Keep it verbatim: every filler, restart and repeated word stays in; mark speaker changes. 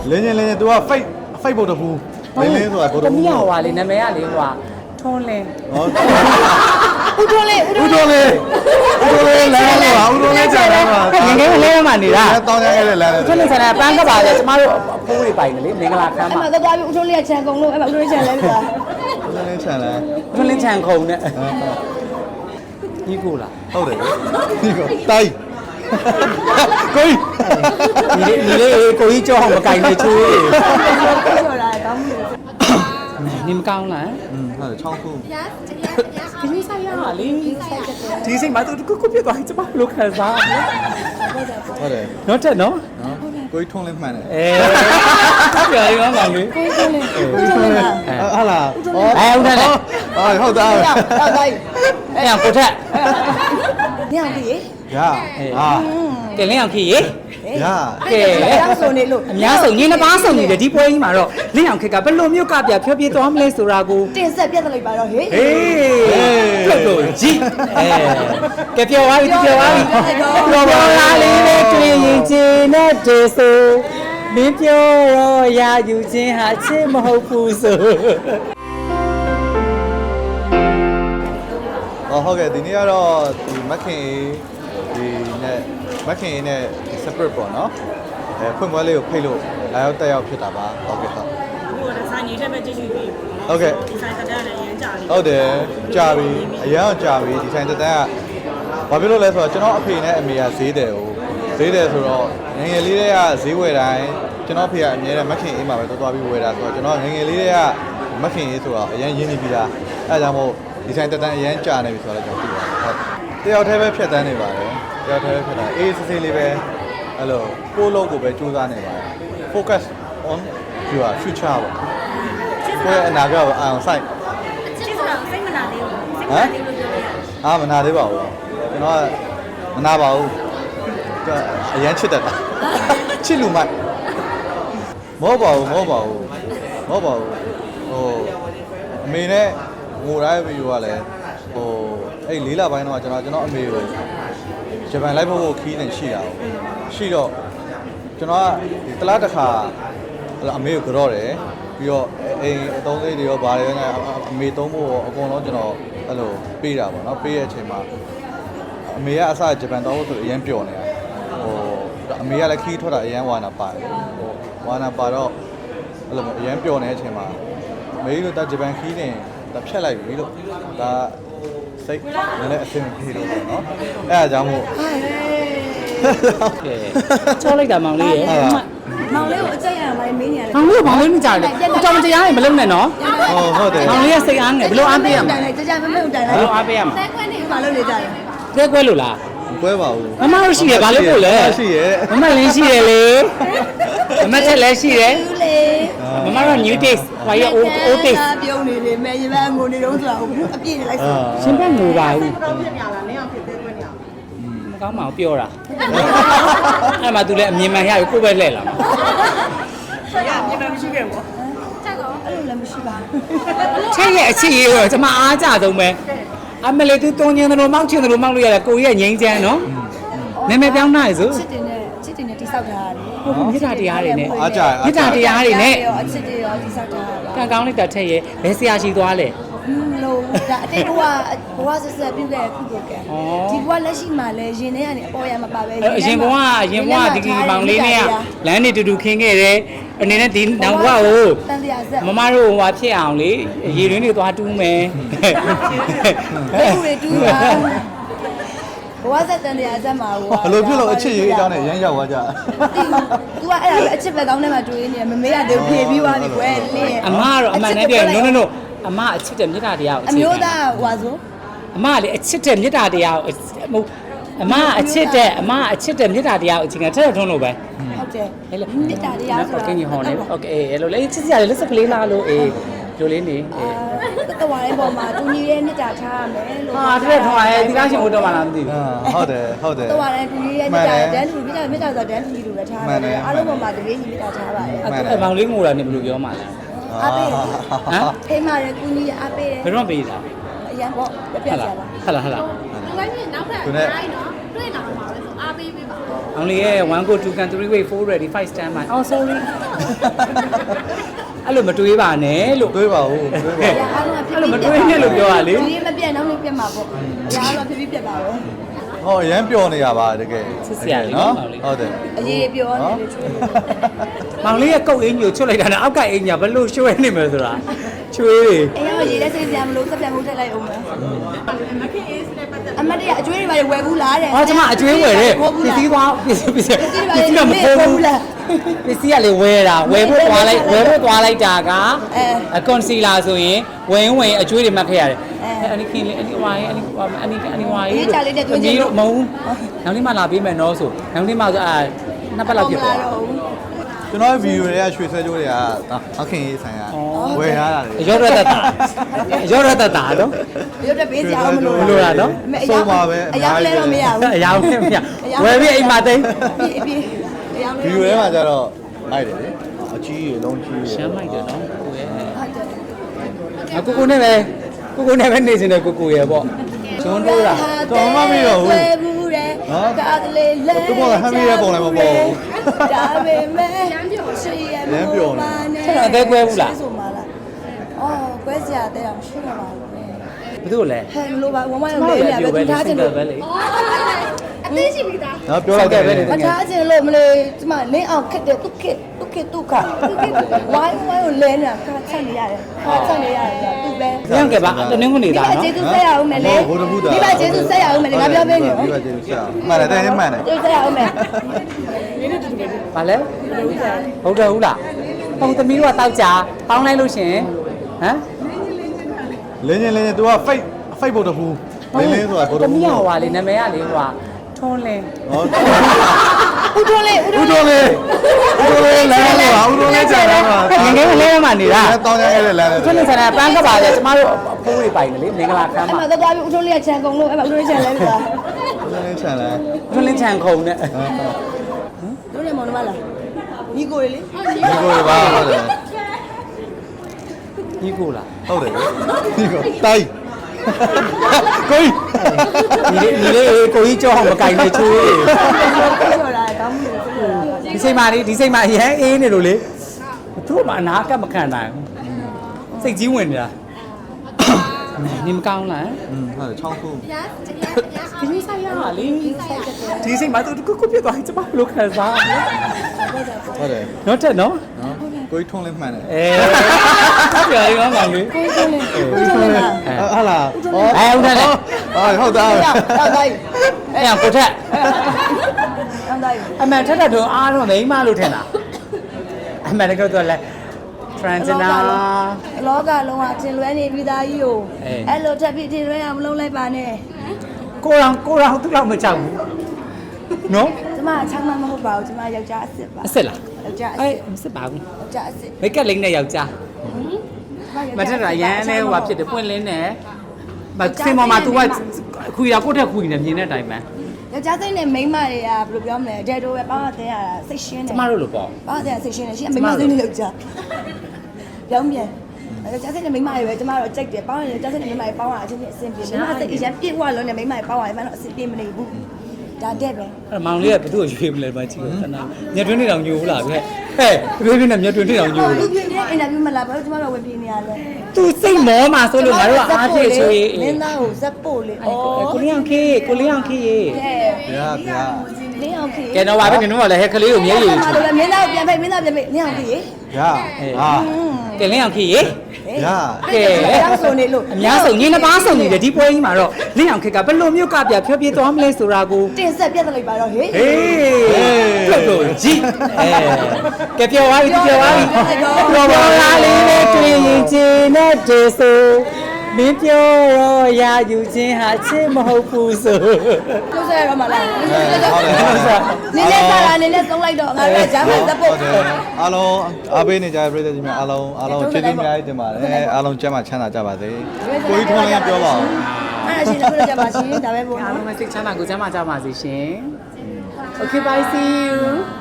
Speaker 1: လင်းချင်းလင်းချင်း तू က fake fake ဘုတ်တဘူးလင်းလင်းဆိုတာဘုတ်တဘူး
Speaker 2: တမီးဟွာလေနာမည်ကလေဟွာထွန်းလင်း
Speaker 1: ဟော
Speaker 3: ဦးတော်လေးဦး
Speaker 1: ဦး
Speaker 3: တော်
Speaker 1: တော်လေးဦးတော်လေးလမ်းပါဦးတော်လေးကြာလမ်းပါ
Speaker 2: ငငယ်ကလေးမှနေတာ
Speaker 1: တောင်းရခဲ့တဲ့လမ်းလေ
Speaker 2: ထွန်းလင်းဆန္ဒပန်းကပါလေကျမတို့အဖိုးတွေပိုင်တယ်လေမင်္ဂလာခမ်း
Speaker 3: အဲ့
Speaker 2: မှာ
Speaker 3: မှာသွားပြီးဦးတော်လေးကခြံကုန်လို့အဲ့မှာဦးတော်လေးခြံလဲပြီလား
Speaker 1: ဦးတော်လေးချန်လမ်း
Speaker 2: ထွန်းလင်းချန်ခုံနဲ့ညီကိုလား
Speaker 1: ဟုတ်တယ်ဒီကတိုင်းကိုကြီး
Speaker 2: ညီလေးညီလေးကိုကြီးကြောအောင်မကင်နေချိုးလေး
Speaker 3: ပြောတာကောင်းမှုလို့
Speaker 2: ညီမကောင်းလား
Speaker 1: อืมဟုတ်တယ်ချောင်းခု
Speaker 2: ခင်းဆိုင်ရလေဒီစိတ်မှာသူကုကုပြတ်သွားရင်ကျမဘလို့ခံစားရလဲ
Speaker 1: ဟုတ်တယ်
Speaker 2: တော့တက်နော်
Speaker 1: နော်ကိုကြီးထုံးလင်းမှန်တယ်
Speaker 2: အဲပြောရအောင်ပါလေ
Speaker 3: ကိုတော်လေးဦးတော်လေးလား
Speaker 1: ဟာလား
Speaker 2: အဲဟုတ်တယ်
Speaker 1: အော်ဟုတ်သား
Speaker 3: တော့တိုင်း
Speaker 2: အဲ့အောင်ကိုထက်
Speaker 3: ညောင်ကြီး
Speaker 1: ရဟာ
Speaker 2: ကဲလင်းအောင်ခီရေ
Speaker 1: ရ
Speaker 2: ကဲ
Speaker 3: တောင်းဆိုနေလို့
Speaker 2: အများဆုံးညီနှစ်ပါးဆုံးနေတယ်ဒီပွဲကြီးမှာတော့လင်းအောင်ခက်ကဘယ်လိုမျိုးကပြဖြောပြေးသွားမလဲဆိုတာကို
Speaker 3: တင်ဆက်ပြတ်လိုက်ပါတော့ဟေး
Speaker 2: ဟေးပြုတ်လို့ကြည့်အဲကဲပြောပါပြီပြောပါပြီပြောပါလားလေးလေးတွေ့ရင်ချင်းနဲ့တေဆိုမင်းပြောတော့ရာယူခြင်းဟာချစ်မဟုတ်ဘူးဆို
Speaker 1: ဟောဟုတ်ကဲ့ဒီနေ့ကတော့ဒီမခင်ဒီနဲ့မခင်နဲ့ separate ပေါ့နော်အဲဖွင့်ပွဲလေးကိုဖိတ်လို့လာရောက်တက်ရောက်ဖြစ်တာပါဟုတ်ကဲ့ဟုတ်
Speaker 4: ဟိုဒီဇိုင်းကြီးတက်ပဲကြည့်ကြည့်ပြီး
Speaker 1: ဟုတ်ကဲ့
Speaker 4: ဒီဇိုင်းတက်တယ်လည်းရမ်းကြတယ်
Speaker 1: ဟုတ်တယ်ကြာပြီအရန်အောင်ကြာပြီဒီဆိုင်တက်တန်းကဘာဖြစ်လို့လဲဆိုတော့ကျွန်တော်အဖေနဲ့အမေကဈေးတယ်ဟိုဈေးတယ်ဆိုတော့ငငယ်လေးတွေကဈေးဝယ်တိုင်းကျွန်တော်အဖေကအမြဲတမ်းမခင်အေးမှာပဲသွားသွားပြီးဝယ်တာဆိုတော့ကျွန်တော်ငငယ်လေးတွေကမခင်အေးဆိုတော့အရန်ရင်းနေပြီးသားအဲဒါကြောင့်မို့ဒီဆိုင်တက်တန်းအရန်ကြာနေပြီဆိုတော့ကျွန်တော်သိပါတယ်ဟုတ်တယောက်တည်းပဲဖြတ်တန်းနေပါတယ်တယောက်တည်းပဲဖြတ်တန်းအေးစစ်စစ်လေးပဲအဲ့လိုကိုယ့်လုံးကိုပဲစူးစမ်းနေပါတယ် focus on your future ပေါ့ကိုယ့်ရဲ့အနာဂတ်ကိုအာရုံစိုက်
Speaker 4: ချစ်ဆိုတာစိတ်မနာသေးဘူးစိတ်မနာသေးလို့ပြောရတာ
Speaker 1: အာမနာသေးပါဘူးကျွန်တော်ကမနာပါဘူးအရန်ချစ်တတ်တာချစ်လူမိုက်မဟုတ်ပါဘူးမဟုတ်ပါဘူးမဟုတ်ပါဘူးဟိုအမေနဲ့ငိုတိုင်းဗီဒီယိုကလည်းဟိုအဲ့လေးလပိုင်းတော့ကျွန်တော်ကျွန်တော်အမေကိုဂျပန်လိုက်ဖို့ခီးနေရှိတာရှိတော့ကျွန်တော်ကဒီတလားတစ်ခါအမေကိုကြော့တယ်ပြီးတော့အိမ်အသုံးလေးတွေရောဘာတွေရောအမေသုံးဖို့အကုန်လုံးကျွန်တော်အဲ့လိုပေးတာပေါ့နော်ပေးရဲ့အချိန်မှာအမေကအစဂျပန်တော့ဆိုအရင်ပျော်နေတာဟိုအမေကလည်းခီးထွက်တာအရင်ဝါနာပါတယ်ဟိုဝါနာပါတော့အဲ့လိုအရင်ပျော်နေတဲ့အချိန်မှာအမေတို့တဂျပန်ခီးနေတဖြတ်လိုက်ပြီလို့ဒါစိတ်လည်းအဆင်ပြေလို့ပေါ့နော်အဲ့ဒါကြောင့်မို့
Speaker 2: ကဲချောလိုက်တာမောင်လေးရေ
Speaker 3: မောင်လေးကိုအကြက်ရမှာမင်းနေရတယ်
Speaker 2: မောင်လေးကမောင်လေးမကြတယ်ကိုကြောင်မတရားရင်မလုပ်နဲ့နော်
Speaker 1: ဟုတ်ဟုတ်တယ်
Speaker 2: မောင်လေးကစိတ်အားငယ်ဘယ်လိုအားပေးရမလဲ
Speaker 3: ကြကြမမတိုင်
Speaker 2: ဘ
Speaker 3: လို
Speaker 2: ယ်
Speaker 3: က်
Speaker 2: လိုအားပေးရမလဲ
Speaker 3: တဲခွဲနေမှာလုပ်နေကြတယ်
Speaker 2: ကွဲကွဲလို့လား
Speaker 1: မကွဲပါဘူး
Speaker 2: မမတို့ရှိတယ်ဘာလို့ပို့လဲ
Speaker 1: ရှိရဲ့
Speaker 2: မမလင်းရှိတယ်လေမမချက်လည်းရှိတယ်
Speaker 3: သူလေ
Speaker 2: မမတို့ new taste ဘာရ old old taste
Speaker 3: ပြုံးနေတယ်မဲရပန်းငိုနေတော့ဆိုတာအပြည့်နေလိုက်ဆို
Speaker 2: ရှင်ဘက်ငိုပါဘူး
Speaker 4: တော့ပြပြလာလင်းအောင်ဖြစ်သေးခွင့်ရအောင်
Speaker 2: မကောင်းပါဘူးပြောတာအဲ့မှာသူလည်းအမြင်မှန်ရပြီကိုယ်ပဲလှည့်လာမှာ
Speaker 4: ရမြေမမရှိခဲ့ဘူး
Speaker 3: အဲ့လိုလည်းမရှိပါဘူး
Speaker 2: ချက်ရဲ့အချစ်ရေးတော့ကျွန်မအားကြဆုံးပဲအမလေးသူတုံးချင်းသလိုမောက်ချင်းသလိုမောက်လို့ရတယ်ကိုကြီးရဲ့ငိမ့်ချမ်းနော်နာမည်ပြောင်းနိုင်စို့
Speaker 3: ချစ်တင်နဲ့ချစ်တင်နဲ့တိဆောက်ထားရတယ်
Speaker 2: ဟုတ်ကဲ့မြစ်တာတရားတွေနဲ့
Speaker 1: အားကြ
Speaker 2: မြစ်တာတရားတွေနဲ့
Speaker 3: ရောအချစ်တွေရောတိဆောက်ထားရပါ
Speaker 2: ကံကောင်းလိုက်တာထက်ရဲ့ဘယ်ဆရာရှိသွားလဲ
Speaker 3: မလို့ဒါအတိတ်ဘဝဘဝဆက်ဆက်ပြုခဲ့ခုကိုကံဒီဘဝလက်ရှိမှာလဲရင်ထဲကနေအပေါ်ရမှာပါပဲ
Speaker 2: အရင်ဘဝအရင်ဘဝဒီကီမောင်လေးနဲ့လမ်းနေတူတူခင်းခဲ့တယ်အနေနဲ့ဒီနောက်ဘဝကို
Speaker 3: တန်တရားဆက်
Speaker 2: မမတို့ဟိုဖြစ်အောင်လေရေရင်းတွေသွားတူးမယ်
Speaker 3: ဘယ်လိုတွေတူတာဘဝဆက်တန်တရားဆက်မှာဟို
Speaker 1: ဘလို့ဖြစ်လို့အချစ်ရေးအကြောင်းနဲ့ရမ်းရောက်သွားကြ
Speaker 3: तू ကအဲ့ဒါပဲအချစ်ပဲကောင်းတဲ့မှာတွေ့နေမမေးရသေးဘူးဖြေပြီးသွားပြီကွယ်လင်း
Speaker 2: အမကတော့အမှန်နဲ့ပြောရင် no no no အမအချစ်တဲ့မြတ်တာတရားကို
Speaker 3: အမျိုးသားဟွာဆို
Speaker 2: အမကလေအချစ်တဲ့မြတ်တာတရားကိုဟိုအမအချစ်တဲ့အမအချစ်တဲ့မြတ်တာတရားကိုအချိန်ကထက်ထုံးလို့ပဲ
Speaker 3: ဟုတ်တယ်
Speaker 2: ဟဲ့လေ
Speaker 3: မေတ္တာတရားဆို
Speaker 2: โอเคညီဟောနေโอเคအဲ့လိုလေချစ်စရာလေလက်စကလေးလားလို့အေးလိုလေးနေအေး
Speaker 3: တဝါလေးပေါ်မှာတူညီရဲ့မေတ္တာထားရမယ်လို့
Speaker 2: ဟာတဲ့ထောင်းရဲဒီလားရှင်ဘုတော်မှလားမသိဘူး
Speaker 1: ဟုတ်တယ်ဟုတ်တယ်
Speaker 3: တဝါတိုင်းတူညီရဲ့မေတ္တာတန်းတူမေတ္တာမေတ္တာဆိုတန်းတူညီလို့လည်းထားရတယ်အားလုံးပေါ်မှာတကယ်ကြီးမေတ္တာထားပါတယ်
Speaker 2: အဲ့မောင်လေးငိုတာနေဘယ်လိုပြောမှလဲ
Speaker 3: အားပေး
Speaker 2: ဟမ်
Speaker 3: ထိမှရဲကူညီအားပေးတယ်
Speaker 2: ဘယ်တော့ပေးတာ
Speaker 3: အရန်ပေါ့ပြပြ
Speaker 2: ဟ
Speaker 3: ကြ
Speaker 2: လာ
Speaker 3: ပါ
Speaker 2: ဟလာဟလာ
Speaker 4: ဒီဝိုင်းမြေနောက်ထပ်
Speaker 1: သူနဲ့
Speaker 4: တိုင်းနော်
Speaker 5: တွေ့လာမှာပဲဆိုအားပေးပေးပါ
Speaker 2: အောင်လေးရဲ့one go two can three way four ready five stand by oh sorry အဲ့လိုမတွေးပါနဲ့လို့
Speaker 1: တွေးပါဦးတွေးပါ
Speaker 3: အားလုံးကဖြစ်
Speaker 2: အဲ့လိုမတွေးနဲ့လို့ပြောရလေ
Speaker 3: ဒီမပြတ်နောက်နေ့ပြတ်မှာပေါ့အားလုံးဖြစ်ပြီးပြတ်ပါတော့
Speaker 1: ဟောအရန်ပျော်နေရပါတကယ်နော်ဟုတ်တယ်
Speaker 3: အရေးပြောနေလေချွေး
Speaker 2: မောင်လေးရဲ့ကုတ်အင်းကြီးကိုချွတ်လိုက်တာနဲ့အောက်ကအိမ်ကြီးဘယ်လိုရွှဲနေမလဲဆိုတာချွေး
Speaker 3: အဲ့ရောရေးလက်စိတ်စရာမလို့စက်ပြန်မှုထည့်လိုက်အောင်မယ်အမတ်တရအကျွေးတွေပါဝယ်ဘူးလားတဲ့
Speaker 2: ။အော်ကျမအကျွေးဝယ်တဲ့ပစ္စည်းသွားပစ္စည်းပစ္စည်းပစ္စည်းကမပေါ်ဘူးလား။ပစ္စည်းကလေဝယ်တာဝယ်ဖို့သွားလိုက်ဝယ်ဖို့သွားလိုက်တာကအကွန်စီလာဆိုရင်ဝင်ဝင်အကျွေးတွေမှတ်ခဲ့ရတယ်။အဲအနိခင်လေးအနိဝါရေးအနိအနိအနိဝါရေးလို့မဟုတ်။နောက်နေ့မှလာပေးမယ်နော်ဆို။နောက်နေ့မှဆိုအာနှစ်ပတ်လောက်ဖြစ်သွား။
Speaker 1: ကျွန်တော်ဗီဒီယိုတွေကရွှေဆွဲကြိုးတွေကအခင်ရေးဆိုင်ရဝယ်ရတာလေ
Speaker 2: ရောရတတာရောရတတာနော်
Speaker 3: ရုပ်တက်ပေးစရာမလို
Speaker 2: မလိုတာနော်
Speaker 1: ဆုံးပါပဲ
Speaker 3: အရောက်လဲတော့မရဘူး
Speaker 2: အယောင်နဲ့မရဝယ်ပြီးအိမ်မှာသိမ်း
Speaker 3: ပြေးပြေးအရောက်
Speaker 1: ဗီဒီယိုထဲမှာကျတော့လိုက်တယ်လေအကြီးရေလုံးကြီး
Speaker 2: ရှမ်းလိုက်တယ်နော်ကိုရဲ့အကိုကိုနဲ့ပဲကိုကိုနဲ့ပဲနေစင်တယ်ကိုကိုရဲ့ပေါ့ကျွန်းတိုးတာ
Speaker 1: တော်မှမရဘူး
Speaker 3: ဝယ်ဘူးတဲ့ကားကလေးလဲ
Speaker 1: သူကဟမ်းမီရဲ့ပုံလည်းမပေါ်ဘူး
Speaker 3: ဒါပေမဲ့ရမ်းပြောရှိရမလို့ပါနဲ့ဆိုမှာလားအော်ကွဲစရာတဲ့အောင်ရှိရပါဘူး
Speaker 2: ဘယ်သူ့လဲ
Speaker 3: ဟဲ့မလို့ပါဝမ်းဝမ်းလေးရပဲသူထားချင်လို့
Speaker 2: ပဲလေ
Speaker 5: အသေးရှိပြီသား
Speaker 1: နော်ပြောလိုက်တယ်
Speaker 3: မထားချင်လို့မလို့ဒီမှာလင်းအောင်ခက်တယ်သူခက်သူခက်သူခဝိုင်းဝိုင်းကိုလဲနေတာခါချက်နေရတယ်ခါချက်နေရတယ်သူပဲ
Speaker 2: ညံ့ခဲ့ပါတနင်္ဂနွေသား
Speaker 3: ဒီမှာကျေးဇူးဆက်ရအောင်မယ်လေဒီမှာကျေးဇူးဆက်ရအောင်မယ်လေငါပြောပေးနေ
Speaker 1: ဒီ
Speaker 3: နော်
Speaker 1: ကကျေးဇူးဆက်မှန်တယ်တဲ့မှန်တယ်
Speaker 3: ကျေးဇူးဆက်ရအောင်မယ်
Speaker 2: ဘာလဲဟုတ်တယ်ဟုတ်လားပုံသမီးတို့ကတောက်ကြပေါင်းလိုက်လို့ရှင်ဟမ်
Speaker 1: လင်းချင်းလင်းချင်း तू က fake fake ဘုတ်တဘူးလင်းလင်းဆိုတာဘုတ်တ
Speaker 2: တ
Speaker 1: ဘူး
Speaker 2: မီးဟောပါလေနာမည်ကလေဟိုကထွန်းလင်း
Speaker 1: ဟော
Speaker 3: ဦးထွန်းလေးဦး
Speaker 1: ဦး
Speaker 3: ထွန်းလေး
Speaker 1: တော်လေးဦးတော်လေးလမ်းပါဦးတော်လေးကြာလမ်းပါ
Speaker 2: ငငယ်ကလေးမှနေတာ
Speaker 1: တောင်းရခဲ့တဲ့လမ်း
Speaker 2: ထွန်းလင်းဆန္ဒပန်းကပါလေကျမတို့အဖိုးတွေပိုင်တယ်လေမင်္ဂလာခမ်း
Speaker 3: အဲ့
Speaker 2: မှာ
Speaker 3: မှာသွားပြီးဦးထွန်းလေးကခြံကုန်လို့အဲ့မှာဦးထွန်းလေးခြံလဲပြီလား
Speaker 1: ဦးတော်လေးချန်လမ်း
Speaker 2: ထွန်းလင်းချန်ခုံနဲ့
Speaker 3: တို့လည်းမောင်နှမလားညီကိုလေ
Speaker 1: ဒီကိုပါဟုတ်တယ်
Speaker 2: ညီကိုလား
Speaker 1: ဟုတ်တယ်ဒီကိုတိုက်ကို
Speaker 2: ညီလေးညီလေးကိုကြီးကြောက်အောင်မကင်နေချွေး
Speaker 3: ပြောတာကောင်းမှုလို့ပြောတာ
Speaker 2: ဒီစိတ်မလေးဒီစိတ်မအရင်အေးနေလို့လေသူ့မှာအနာကမခံနိုင်ဘူးစိတ်ကြီးဝင်နေတာနေမကောင်းလား
Speaker 1: อืมဟုတ်တယ်ချောင်းခု
Speaker 5: ရရရ
Speaker 2: ဒီနေ့ဆိုင်ရပါလေဒီစိတ်မသူကုကုပြတ်သွားရင်ကျမဘယ်လိုခံစားလဲ
Speaker 1: ဟုတ်တယ်
Speaker 2: နော်တက်နော်
Speaker 1: နော်ကိုကြီးထုံးလေးမှန်တယ်
Speaker 2: အဲပြောရအောင်မောင်လေး
Speaker 3: ကိုထွန်းလေးဦးထွန်းလေးလား
Speaker 1: ဟာလား
Speaker 2: အဲဟုတ်တယ်
Speaker 1: ဟုတ်သား
Speaker 3: တော့တိုင်း
Speaker 2: အဲ့ရကိုထက်
Speaker 3: တော့တိုင်း
Speaker 2: အမှန်ထက်တော့အားတော့မိမလို့ထင်တာအမှန်တကယ်တော့လဲဖရန်ဂျနာ
Speaker 3: လောကလုံးကထင်လွဲနေပြီးသားကြီးကို
Speaker 2: အေး
Speaker 3: အဲ့လိုထပ်ပြီးထင်လွဲအောင်မလုပ်လိုက်ပါနဲ့
Speaker 2: ကိုရောင်ကိုရောင်သူ့လောက်မကြောက်ဘူးနော်
Speaker 3: ကျမအချမ်းမမဟုတ်ပါဘူးကျမယောက်ျားအစ်စ်ပါ
Speaker 2: အစ်စ်လား
Speaker 3: ယောက်ျားအ
Speaker 2: အဲ
Speaker 3: စ်စ်
Speaker 2: မစစ်ပါဘူး
Speaker 3: ယောက်ျားအစ်စ်
Speaker 2: မိတ်ကပ်လိမ့်နဲ့ယောက်ျားမထက်တာရမ်းနဲ့ဟိုဖြစ်တယ်ပွင့်လင်းနဲ့မစင်ပေါ်မှာ तू ကခွေတာကိုယ့်ထက်ခွေနေမြင်တဲ့အတိုင်းပဲ
Speaker 3: ယောက်ျားစိတ်နဲ့မိန်းမတွေကဘယ်လိုပြောမလဲဒဲတိုပဲပေါင်းရတဲ့ရတာစိတ်ရှင်းတယ်
Speaker 2: ကျမတို့လိုပေါ့
Speaker 3: ပေါင်းရတဲ့စိတ်ရှင်းတယ်ရှင်းမိန်းမစိတ်နဲ့ယောက်ျားပြောင်းပြန်ယောက်ျားစိတ်နဲ့မိန်းမတွေပဲကျမတို့ကြိုက်တယ်ပေါင်းရယောက်ျားစိတ်နဲ့မိန်းမတွေပေါင်းရအချင်းချင်းအဆင်ပြေမိန်းမစိတ်အရင်ပြည့်ဝလုံးနဲ့မိန်းမတွေပေါင်းရမှတော့အဆင်ပြေမနေဘူးဒါတဲ့ပဲ
Speaker 2: အဲ့မောင်လေးကဘသူ့ကိုရွေးမလဲမကြည့်ဘူးတနာညက်တွင်းနေတောင်ညိုဘူးလားဗျဟဲ့ပြည့်ပြည့်နဲ့ညက်တွင်းနေတောင်ညိုဘူး
Speaker 3: လူပြင်းတဲ့အင်တာဗျူးမလားဘာလို့ကျမတို့ဝင်ပြနေရလဲ
Speaker 2: သူစိတ်မောမှာဆိုလို့ငါတို့ကအားဖြည့်ချွေး
Speaker 3: မင်းသားကိုဇက်ပို့လေဩ
Speaker 2: ကိုလေးအောင်ခေးကိုလေးအောင်ခေးရေ
Speaker 3: ကဲ
Speaker 1: ဗျာဗျာ
Speaker 3: လင်းအောင်ခေ
Speaker 2: ကဲတော့ဗာပဲနင်တို့ကလည်းဟဲ့ကလေးကိုမျက်ရည်
Speaker 3: မလို့မင်းသားကိုပြန်ဖိတ်မင်းသားပြန်ဖိတ်လင်းအောင်ခေ
Speaker 1: ဗျာဟာ
Speaker 2: ကဲလင်းအောင်ခေးရေ
Speaker 1: ဗျာ
Speaker 2: ကဲ
Speaker 3: တောင်းဆိုနေလို့
Speaker 2: အများဆုံးညီနှစ်ပါးဆုံးနေတယ်ဒီပွဲကြီးမှာတော့လင်းအောင်ခေးကဘယ်လိုမျိုးကပြဖြောပြသွားမလဲဆိုတာကို
Speaker 3: တင်ဆက်ပြတ်လိုက်ပါတော့ဟေး
Speaker 2: ဟေးပြုတ်လို့ကြည့်အဲကဲပြောသွားပြီပြောသွားပြီပြောပါလားလေးနဲ့တွေ့ရင်ချင်းနဲ့တေဆိုမင်းပြောတော့ရာယူခြင်းဟာချစ်မဟုတ်ဘူးဆို
Speaker 3: ကျိုးဆက်ရမှာလားနင်းနဲ့စားတာနင်းနဲ့သုံးလိုက်တော့ငါတို့ဂျာမန်ဇက်ပို့
Speaker 1: အားလုံးအားပေးနေကြတဲ့ပြည်သူကြီးများအားလုံးအားလုံးကျေးဇူးအများကြီးတင်ပါတယ်အားလုံးကျမ်းမာချမ်းသာကြပါစေကိုကြီးထုံးလေးပြောပါဦး
Speaker 3: အဲ့ဒါရှင်တို့ကြပါရှင်ဒါပဲပေါ့
Speaker 2: အား
Speaker 3: နော်
Speaker 2: လုံးမစိတ်ချမ်းသာကိုကျမ်းမာကြပါစေရှင် Okay bye see you